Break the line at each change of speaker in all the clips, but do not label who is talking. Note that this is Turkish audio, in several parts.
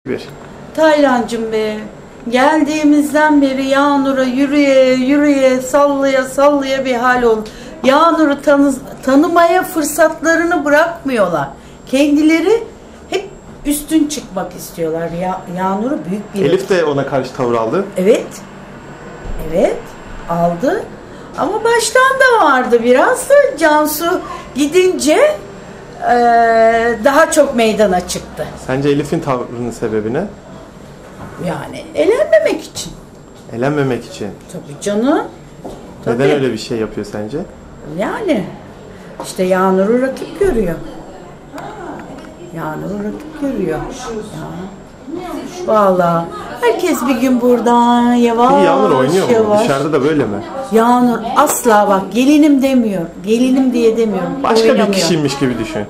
Bir.
Taylancım be, geldiğimizden beri Yağnur'a yürüye yürüye sallaya sallaya bir hal oldu. Yağnur'u tanımaya fırsatlarını bırakmıyorlar. Kendileri hep üstün çıkmak istiyorlar. Yağnur'u büyük bir...
Elif de ona karşı tavır aldı.
Evet. Evet. Aldı. Ama baştan da vardı biraz da Cansu gidince daha çok meydana çıktı.
Sence Elif'in tavrının sebebi ne?
Yani elenmemek için.
Elenmemek için.
Tabii canım.
Neden
Tabii.
öyle bir şey yapıyor sence?
Yani işte Yağnur'u rakip görüyor. Yağnur'u rakip görüyor. Ya. Vallahi herkes bir gün buradan yavaş
Peki Yağnur oynuyor mu?
yavaş.
Dışarıda da böyle mi?
Yağnur asla bak gelinim demiyor. Gelinim diye demiyorum.
Başka
Oynamıyor.
bir kişiymiş gibi düşün.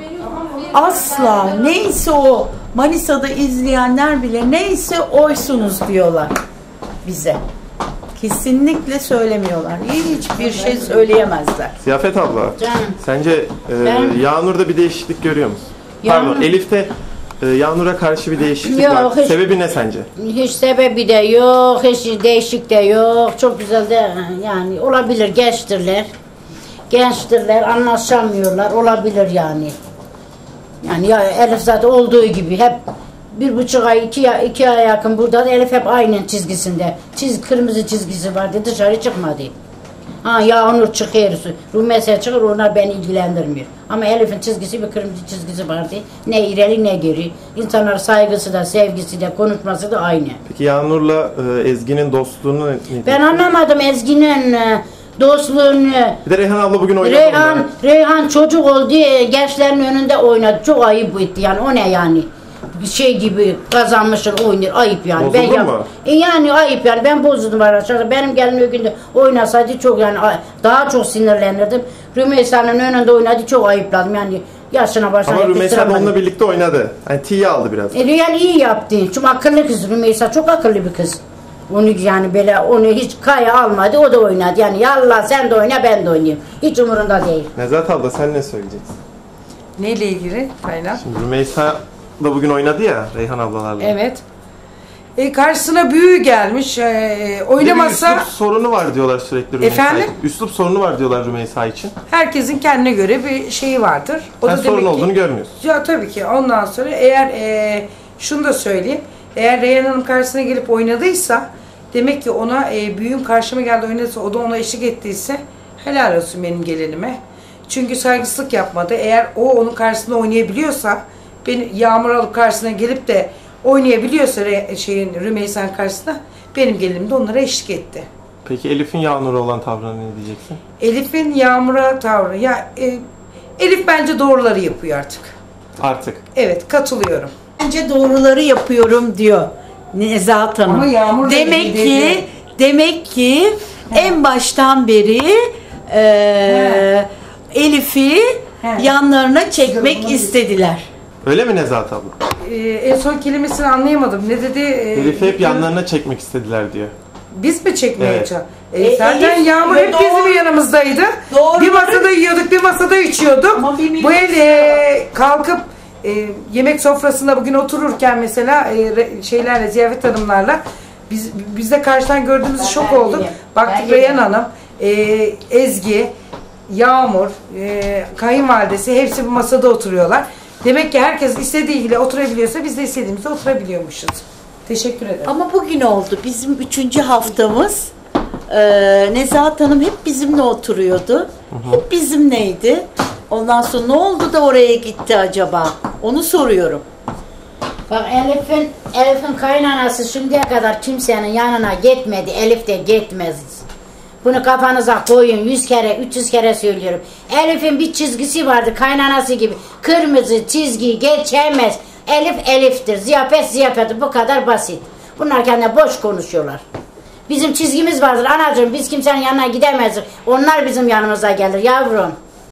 Asla neyse o Manisa'da izleyenler bile neyse oysunuz diyorlar bize. Kesinlikle söylemiyorlar. Hiçbir şey söyleyemezler.
Ziyafet abla,
Canım.
sence Yağnur'da bir değişiklik görüyor musun? Pardon, Elif'te Yağnur'a karşı bir değişiklik
Yok,
var.
hiç.
Sebebi ne sence?
Hiç sebebi de yok, hiç değişik de yok. Çok güzel de yani olabilir, gençtirler. Gençtirler, anlaşamıyorlar, olabilir yani. Yani ya Elif zaten olduğu gibi hep 1,5 ay, 2 aya yakın burada da Elif hep aynı çizgisinde. Kırmızı çizgisi vardı, dışarı çıkmadı. Ha Yağnur çıkıyor, Rümeysa çıkır, onlar beni ilgilendirmiyor. Ama Elif'in çizgisi bir kırmızı çizgisi vardı. Ne ileri ne geri. İnsanlar saygısı da, sevgisi de, konuşması da aynı.
Peki Yağnur'la Ezgi'nin dostluğunu ne diyorsun?
Ben anlamadım Ezgi'nin dostluğunu.
Bir de Reyhan abla bugün oynadı.
Reyhan çocuk oldu, gençlerin önünde oynadı. Çok ayıp etti yani. O ne yani? Şey gibi kazanmışsın oynuyor. Ayıp yani.
Bozuldun mu?
Yani ayıp yani. Ben bozuldum arkadaşlar. Benim gelinim o günde oynasaydı çok yani daha çok sinirlenirdim. Rümeysa'nın önünde oynadı. Çok ayıpladım yani. Yaşına başına.
Ama Rümeysa da onunla birlikte oynadı. Yani tiye aldı biraz.
Yani iyi yaptı. Çünkü akıllı kız Rümeysa. Çok akıllı bir kız. Onu yani böyle onu hiç kaya almadı. O da oynadı. Yani yallah sen de oyna ben de oynayayım. Hiç umurunda değil.
Nezahat abla sen ne söyleyeceksin?
Neyle ilgili Taylan?
Şimdi Rümeysa da bugün oynadı ya Reyhan ablalarla.
Evet. Karşısına büyü gelmiş. Oynamasa
Üslup sorunu var diyorlar sürekli Rümeysa
Efendim?
için. Üslup sorunu var diyorlar Rümeysa için.
herkesin kendine göre bir şeyi vardır. O
Sen
da
sorun
demek ki,
olduğunu görmüyorsun.
ya tabii ki ondan sonra eğer şunu da söyleyeyim. Eğer Reyhan Hanım karşısına gelip oynadıysa demek ki ona büyüğün karşıma geldi oynadıysa o da ona eşlik ettiyse helal olsun benim gelinime. Çünkü saygısızlık yapmadı. Eğer o onun karşısında oynayabiliyorsa beni Yağmur alıp karşısına gelip de oynayabiliyorsa Rümeysa'nın karşısında benim gelinim de onlara eşlik etti.
Peki Elif'in Yağnur'a olan tavrına ne diyeceksin?
Elif'in Yağmur'a tavrı. Elif bence doğruları yapıyor artık.
Artık.
Evet, katılıyorum.
Bence doğruları yapıyorum diyor Nezahat Hanım.
Ama Yağmur da
Demek ki en baştan beri Elif'i yanlarına çekmek istediler.
Öyle mi Nezahat abla?
En son kelimesini anlayamadım. Ne dedi?
Elif'i hep yanlarına çekmek istediler diyor.
Biz mi çekmeye
Evet.
çalıştık? Zaten
Elif,
Yağmur hep bizim yanımızdaydı.
Doğru.
Bir masada yiyorduk, bir masada içiyorduk.
Ama bir
Bu el kalkıp yemek sofrasında bugün otururken mesela ziyafet hanımlarla biz de karşıdan gördüğümüz şok olduk. Baktık Reyhan Hanım, Ezgi, Yağmur, kayınvalidesi hepsi bu masada oturuyorlar. Demek ki herkes istediğiyle oturabiliyorsa biz de istediğimizde oturabiliyormuşuz. Teşekkür ederim.
Ama bugün oldu. Bizim 3. haftamız. Nezahat Hanım hep bizimle oturuyordu. Hep bizimleydi. Ondan sonra ne oldu da oraya gitti acaba? Onu soruyorum.
Bak Elif'in kaynanası şimdiye kadar kimsenin yanına gitmedi. Elif de gitmez. Bunu kafanıza koyun 100 kere 300 kere söylüyorum. Elif'in bir çizgisi vardı kaynanası gibi. Kırmızı çizgiyi geçemez. Elif Elif'tir. Ziyafet bu kadar basit. Bunlar kendine boş konuşuyorlar. Bizim çizgimiz vardır anacığım. Biz kimsenin yanına gidemezdik. Onlar bizim yanımıza gelir yavrum.